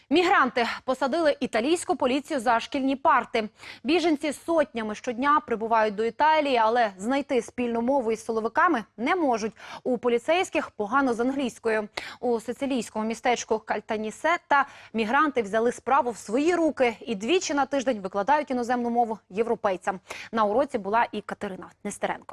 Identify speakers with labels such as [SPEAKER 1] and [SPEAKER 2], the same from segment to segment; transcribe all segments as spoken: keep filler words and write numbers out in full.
[SPEAKER 1] Мігранти посадили італійську поліцію за шкільні парти. Біженці сотнями щодня прибувають до Італії, але знайти спільну мову із силовиками не можуть. У поліцейських погано з англійською. У сицилійському містечку Кальтанісетта мігранти взяли справу в свої руки і двічі на тиждень викладають іноземну мову європейцям. На уроці була і Катерина Нестеренко.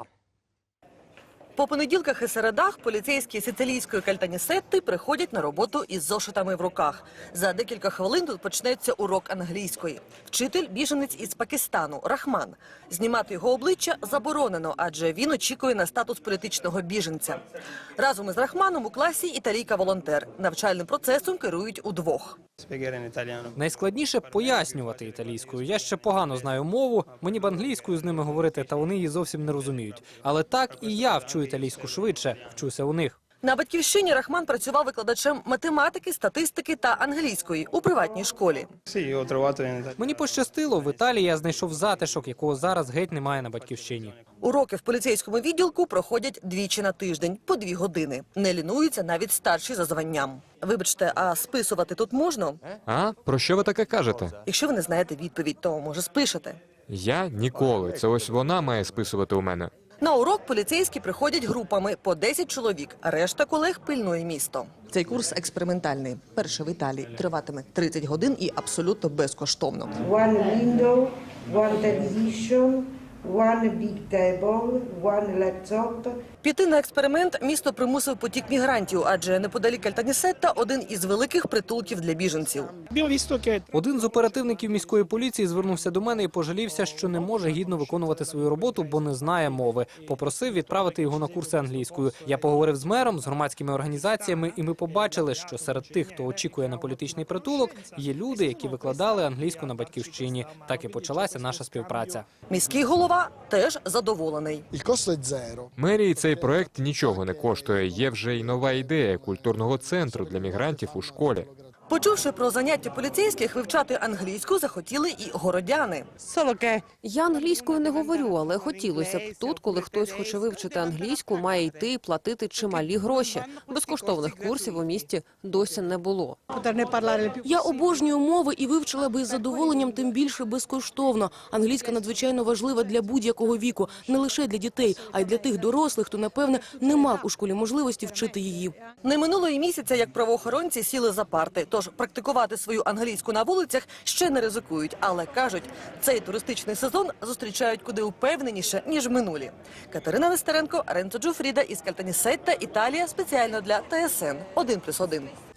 [SPEAKER 2] По понеділках і середах поліцейські сицилійської Кальтанісетти приходять на роботу із зошитами в руках. За декілька хвилин тут почнеться урок англійської. Вчитель – біженець із Пакистану, Рахман. Знімати його обличчя заборонено, адже він очікує на статус політичного біженця. Разом із Рахманом у класі італійка-волонтер. Навчальним процесом керують удвох.
[SPEAKER 3] Найскладніше – пояснювати італійською. Я ще погано знаю мову, мені б англійською з ними говорити, та вони її зовсім не розуміють. Але так і я вчу італійську швидше, вчуся у них.
[SPEAKER 2] На Батьківщині Рахман працював викладачем математики, статистики та англійської у приватній школі.
[SPEAKER 3] Мені пощастило, в Італії я знайшов затишок, якого зараз геть немає на Батьківщині.
[SPEAKER 2] Уроки в поліцейському відділку проходять двічі на тиждень, по дві години. Не лінуються навіть старші за званням. Вибачте, а списувати тут можна?
[SPEAKER 4] А? Про що ви таке кажете?
[SPEAKER 2] Якщо ви не знаєте відповідь, то, може, спишете.
[SPEAKER 4] Я ніколи. Це ось вона має списувати у мене.
[SPEAKER 2] На урок поліцейські приходять групами по десять чоловік, а решта колег пильнує місто. Цей курс експериментальний. Перший в Італії. Триватиме тридцять годин і абсолютно безкоштовно.
[SPEAKER 5] One window, one television, one big table, one laptop.
[SPEAKER 2] Піти на експеримент місто примусив потік мігрантів, адже неподалік Кальтанісетта один із великих притулків для біженців.
[SPEAKER 3] Один з оперативників міської поліції звернувся до мене і пожалівся, що не може гідно виконувати свою роботу, бо не знає мови. Попросив відправити його на курси англійською. Я поговорив з мером, з громадськими організаціями, і ми побачили, що серед тих, хто очікує на політичний притулок, є люди, які викладали англійську на Батьківщині. Так і почалася наша співпраця.
[SPEAKER 2] Міський голова теж задоволений.
[SPEAKER 4] Мерії цей проект нічого не коштує. Є вже й нова ідея культурного центру для мігрантів у школі.
[SPEAKER 2] Почувши про заняття поліцейських, вивчати англійську захотіли і городяни.
[SPEAKER 6] Я англійською не говорю, але хотілося б. Тут, коли хтось хоче вивчити англійську, має йти і платити чималі гроші. Безкоштовних курсів у місті досі не було.
[SPEAKER 7] Я обожнюю мови і вивчила би із задоволенням, тим більше безкоштовно. Англійська надзвичайно важлива для будь-якого віку, не лише для дітей, а й для тих дорослих, хто, напевне, не мав у школі можливості вчити її.
[SPEAKER 2] Не минуло і місяця, як правоохоронці сіли за парти. Тож практикувати свою англійську на вулицях ще не ризикують. Але, кажуть, цей туристичний сезон зустрічають куди упевненіше, ніж минулі. Катерина Нестеренко, Ренцо Джуфріда із Кальтанісетта, Італія, спеціально для Т С Н один плюс один.